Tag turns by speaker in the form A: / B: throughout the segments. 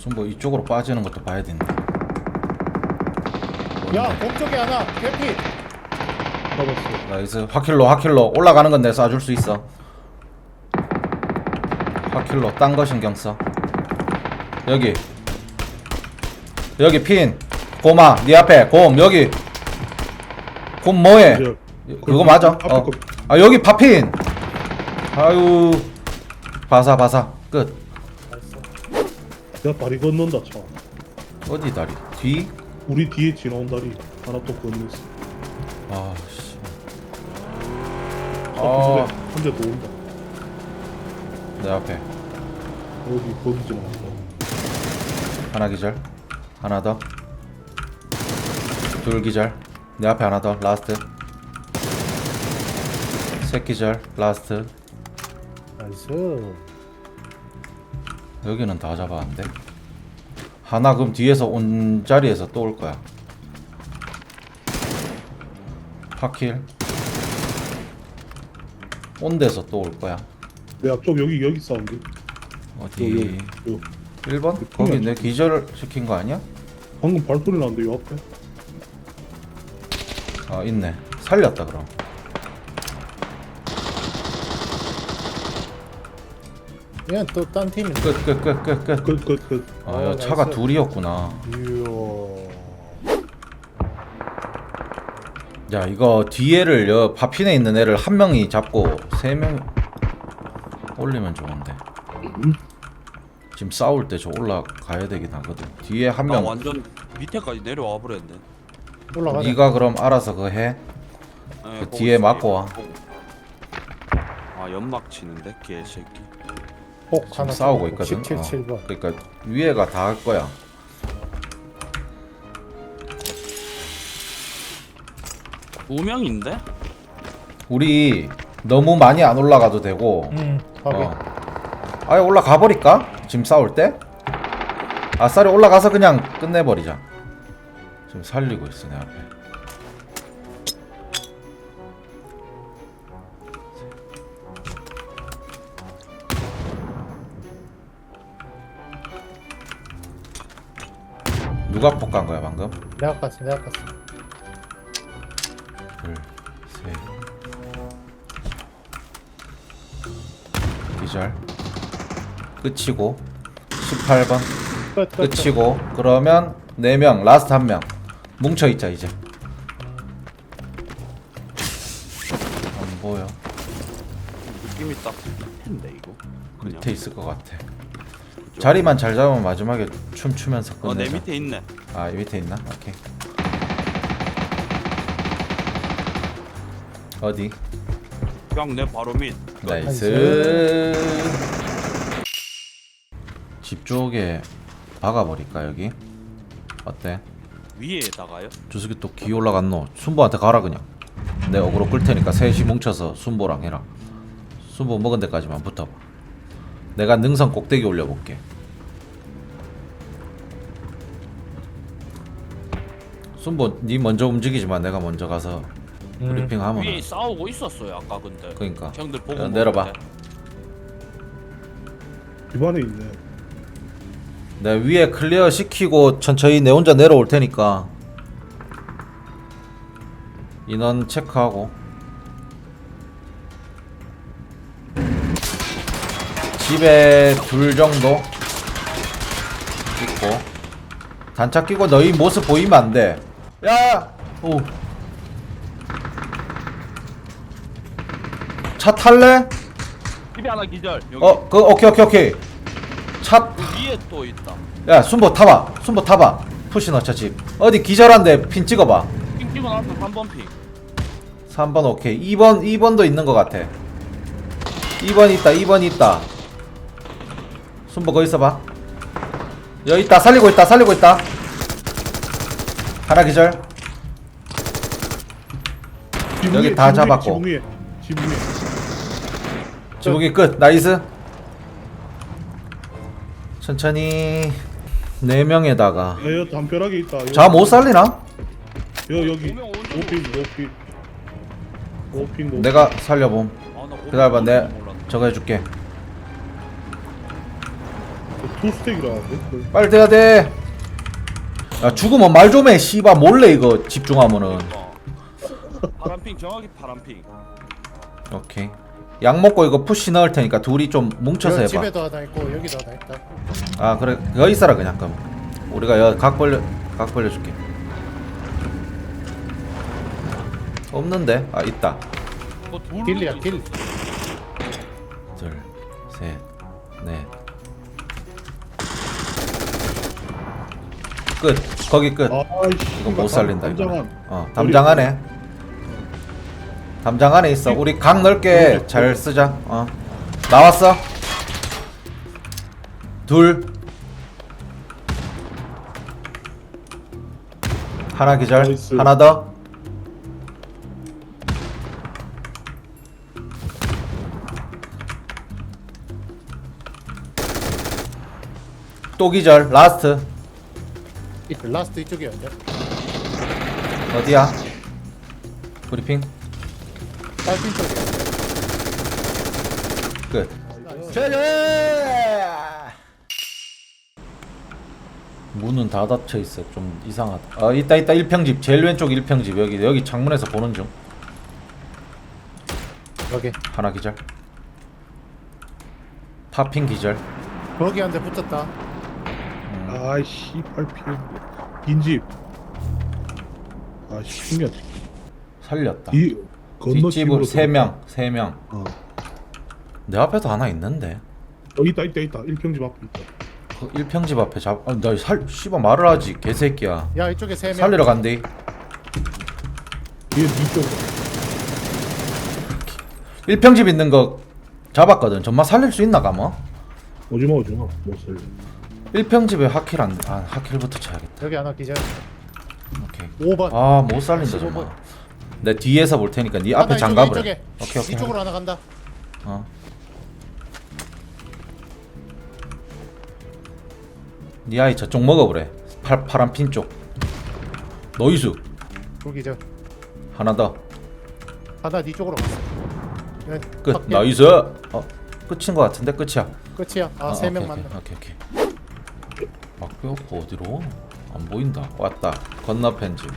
A: 뭐 이쪽으로 빠지는 것도 봐야 된다.
B: 야, 공쪽에 하나, 개피.
C: 잡았어.
A: 나이스. 화킬로 올라가는 건 내가 쏴줄 수 있어. 화킬로 딴 거 신경 써. 여기 핀 고마 네 앞에 곰 여기 곰 뭐해?
C: 이제
A: 그거 맞아?
C: 앞에
A: 어.
C: 거.
A: 아 여기 파핀. 아유 바사 끝.
C: 야 다리 건넌다 차.
A: 어디 다리? 뒤?
C: 우리 뒤에 지나온 다리 하나 또 건넜어.
A: 아씨.
C: 한대 더 온다.
A: 내 앞에
C: 여기 거기 지나간다.
A: 하나 기절. 하나 더. 둘 기절. 내 앞에 하나 더. 라스트. 셋 기절. 라스트.
B: 나이스.
A: 여기는 다 잡았는데. 하나 그럼 뒤에서 온 자리에서 또 올 거야. 파킬. 온 데서 또 올 거야.
C: 내 앞쪽 여기 사운드.
A: 어디?
C: 요.
A: 1번? 거기 내 기절 시킨 거 아니야?
C: 방금 발소리 나는데 요 앞에.
A: 아 있네. 살렸다 그럼.
B: 얘는 또 딴 팀이.
A: 끝.
C: 끝.
A: 아, 야, 차가
B: 나이스.
A: 둘이었구나.
B: 이야.
A: 야, 이거 뒤에를 파핀에 있는 애를 한 명이 잡고 세 명 올리면 좋은데. 지금 싸울 때 저 올라가야 되긴 하거든. 뒤에 한
D: 나
A: 명.
D: 완전 밑에까지 내려와 버렸네.
B: 올라가자.
A: 네가 그럼 알아서 그거 해.
D: 네,
A: 그
D: 보고
A: 뒤에
D: 있을게.
A: 맞고 와.
D: 아 연막 치는데 개새끼.
B: 폭
A: 지금
B: 하나
A: 싸우고
B: 쏘고,
A: 있거든.
B: 17번.
A: 그러니까 위에가 다 할 거야.
D: 두 명인데?
A: 우리 너무 많이 안 올라가도 되고.
B: 확인.
A: 아예 올라가 버릴까? 지금 싸울 때? 아싸리 올라가서 그냥 끝내버리자. 지금 살리고 있어 내 앞에. 누가 폭간 거야 방금?
B: 내가 깠어.
A: 둘, 셋. 기절. 끝이고 18번
B: 끝.
A: 끝이고 그러면 4명 라스트 1명 뭉쳐있자 이제. 안 보여.
D: 느낌이 딱 텐데 이거. 그냥.
A: 밑에 있을 것 같아. 자리만 잘 잡으면 마지막에 춤추면서 끝내자.
D: 내 밑에 있네.
A: 아, 이 밑에 있나? 오케이. 어디?
D: 그냥 내 바로 밑.
A: 나이스. 집 쪽에 박아버릴까 여기? 어때?
D: 위에다가요?
A: 저 새끼 또 기 올라갔노. 순보한테 가라 그냥. 내 어그로 끌 테니까 셋이 뭉쳐서 순보랑 해라. 순보 먹은 데까지만 붙어봐. 내가 능선 꼭대기 올려볼게. 순보 니 먼저 움직이지만 내가 먼저 가서 브리핑하면.
D: 위에 싸우고 있었어요 아까 근데.
A: 그러니까.
D: 형들 보고
A: 야, 내려봐.
D: 먹는데.
C: 집안에 있네.
A: 내가 위에 클리어 시키고 천천히 내 혼자 내려올 테니까 인원 체크하고. 집에 둘 정도 있고. 단차 끼고 너희 모습 보이면 안 돼. 야! 오. 차 탈래?
D: 집에 하나 기절. 여기
A: 오케이. 차.
D: 그 위에 또 있다.
A: 야, 순보 타봐. 푸시 넣자 집. 어디 기절한데 핀 찍어봐.
D: 핑 찍어놨어 3번 핑.
A: 3번 오케이. 2번도 있는 것 같아. 2번 있다. 순보 거기 있어봐. 여기 있다. 살리고 있다. 하나 기절. 여기 다 잡았고.
C: 지붕 위에.
A: 지붕이 끝. 나이스. 천천히 4명에다가
C: 야, 담벼락에 있다.
A: 자 못 살리나?
C: 여기.
D: 오면 오는
C: 오핀.
A: 내가 살려봄.
D: 아, 나
A: 기다려봐. 내
D: 몰랐네.
A: 저거 해줄게.
C: 투스택이라는데?
A: 빨리 돼야 돼. 야 죽으면 말 좀 해. 씨바 몰래 이거 집중하면은.
D: 파란핑 정확히 파란핑.
A: 오케이. 약 먹고 이거 푸시 넣을 테니까 둘이 좀 뭉쳐서
B: 여기
A: 해봐.
B: 집에도 하나 있고 여기도 하나 있다.
A: 아 그래 여기 있어라 그냥 그럼. 우리가 여기 각 벌려줄게. 없는데? 아 있다.
D: 뭐 둘.
B: 길리야 길.
A: 둘, 셋, 넷. 끝. 거기 끝.
C: 아이씨.
A: 이거 못 살린다 이거.
C: 담장한.
A: 담장 안에. 담장 안에 있어. 우리 각 넓게 잘 쓰자. 나왔어. 둘. 하나 기절.
C: 나이스.
A: 하나 더. 또 기절. 라스트.
B: 라스트 이쪽이야 이제.
A: 어디야? 브리핑.
B: 빨핀 쪽이야.
A: 끝. 문은 다 닫혀 있어. 좀 이상하다. 있다 1평집. 제일 왼쪽 1평집. 여기 창문에서 보는 중.
B: 여기.
A: 하나 기절. 파핑 기절.
B: 거기 한 대 붙었다.
C: 아이씨, 8피. 빈집. 아씨, 신기하다.
A: 살렸다.
C: 이 건너
A: 뒷집으로 3명.
C: 어.
A: 내 앞에도 하나 있는데.
C: 있다. 1평집 앞에 있다.
A: 그 1평집 앞에 씨발 말을 하지 개새끼야.
B: 야 이쪽에 3명.
A: 살리러 간대.
C: 얘 뒤쪽.
A: 1평집 있는 거 잡았거든. 정말 살릴 수 있나 가뭐?
C: 오지마. 못 살려.
A: 1평집에 하킬 안 돼. 하킬부터 쳐야겠다.
B: 여기 하나 기절.
A: 오케이.
B: 5번.
A: 못 살린다
B: 15번.
A: 정말. 내 뒤에서 볼 테니까 네
B: 하나
A: 앞에
B: 이쪽에,
A: 장갑을.
B: 이쪽에.
A: 오케이.
B: 이쪽으로 하나 간다.
A: 네 아이 저쪽 먹어보래. 파란 핀 쪽. 노이수.
B: 둘 기절.
A: 하나 더.
B: 하나 네 쪽으로 갔어. 네,
A: 끝.
B: 밖에.
A: 나이스. 끝인 거 같은데 끝이야.
B: 끝이야. 3명
A: 오케이,
B: 맞네.
A: 오케이. 막뼈 어디로? 안 보인다. 왔다. 건너편 집.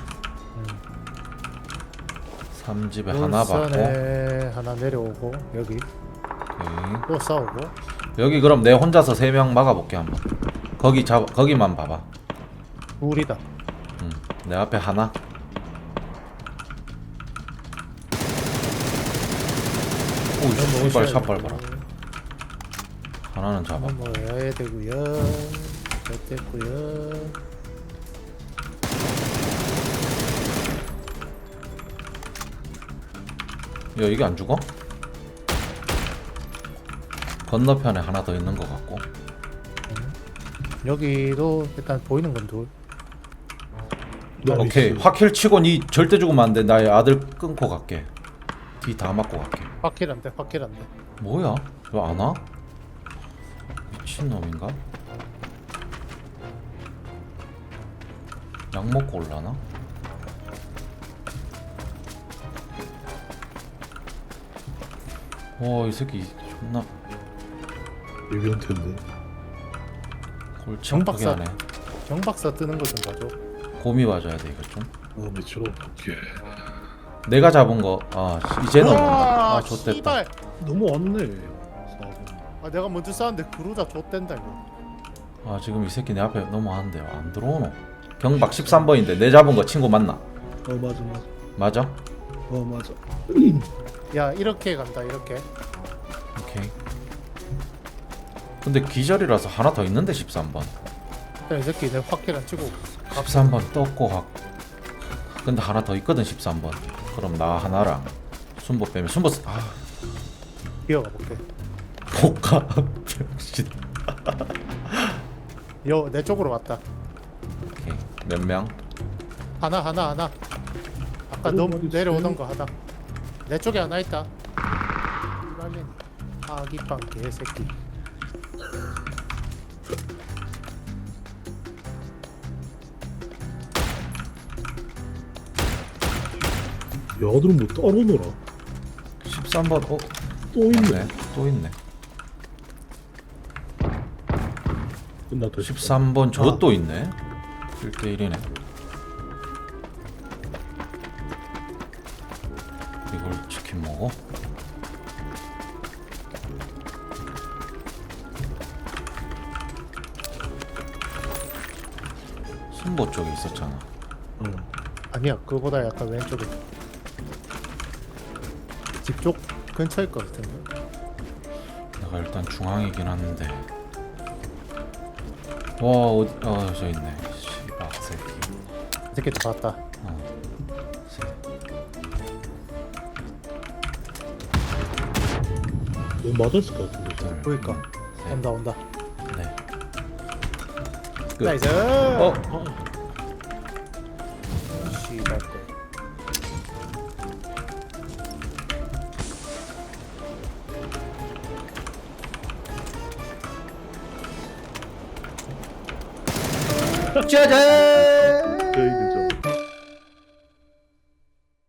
A: 3집에 하나 받고.
B: 울산에 하나 내려오고 여기
A: 오케이.
B: 또 싸우고.
A: 여기 그럼 내 혼자서 3명 막아볼게 한번. 거기만 봐봐.
B: 둘이다.
A: 내 앞에 하나. 오, 씨발 샷 밟아라. 하나는 잡아.
B: 넘어야 되고요. 됐고요.
A: 야 이게 안 죽어? 건너편에 하나 더 있는 것 같고.
B: 여기도 일단 보이는 건 둘.
A: 오케이 확킬 치고 니 절대 죽으면 안 돼. 나의 아들 끊고 갈게. 뒤 다 맞고 갈게.
B: 확킬 안 돼.
A: 뭐야? 왜 안 와? 미친놈인가? 약 먹고 올라나? 이 새끼 존나
C: 예비한 텐데.
A: 골치
B: 정박사.
A: 아프게 하네.
B: 정박사 뜨는 거 좀 봐줘.
A: 곰이 맞아야 돼 이거 좀.
C: 밑으로. 오케이.
A: 내가 잡은 거 이제는 없는다.
B: 와,
A: 좆됐다.
B: 씨발.
C: 넘어왔네. 4번.
B: 내가 먼저 쐈는데 그루자 좆된다 이거.
A: 지금 이 새끼 내 앞에 넘어왔는데 안 들어오노. 경박 13번인데 내 잡은 거 친구 맞나?
C: 맞아.
A: 맞아?
C: 맞아.
B: 야 이렇게 간다 이렇게.
A: 오케이. 근데 기절이라서 하나 더 있는데 13번.
B: 일단 이 새끼 내 확킬 안 치고
A: 13번 떴고 근데 하나 더 있거든 13번. 그럼 나 하나랑 순보 빼면 순보
B: 기어가 볼게.
A: 복가 병신.
B: 내 쪽으로 왔다.
A: 오케이. 몇 명?
B: 하나. 아까 너 내려오던 거 하나. 내 쪽에 하나 있다. 이발린 아기빵 개새끼.
C: 야들은 뭐 따로 놀아.
A: 13번
C: 또 있네.
A: 또 있네.
C: 끝났다.
A: 13번 저것도 있네. 1대1이네. 이걸 치킨 먹어? 순보 쪽에 있었잖아.
C: 응.
B: 아니야 그거보다 약간 왼쪽에 집 쪽 근처일 것 같은데.
A: 내가 일단 중앙이긴 한데. 와 어디 저 있네. 씨발 새끼.
B: 이 새끼 잡았다.
C: 이거 맞았을 것 같은데.
A: 둘,
B: 그러니까
A: 셋,
B: 온다 온다.
A: 네. 끝.
B: 나이스.
A: 어?
B: 씨발 거.
A: 짜잔!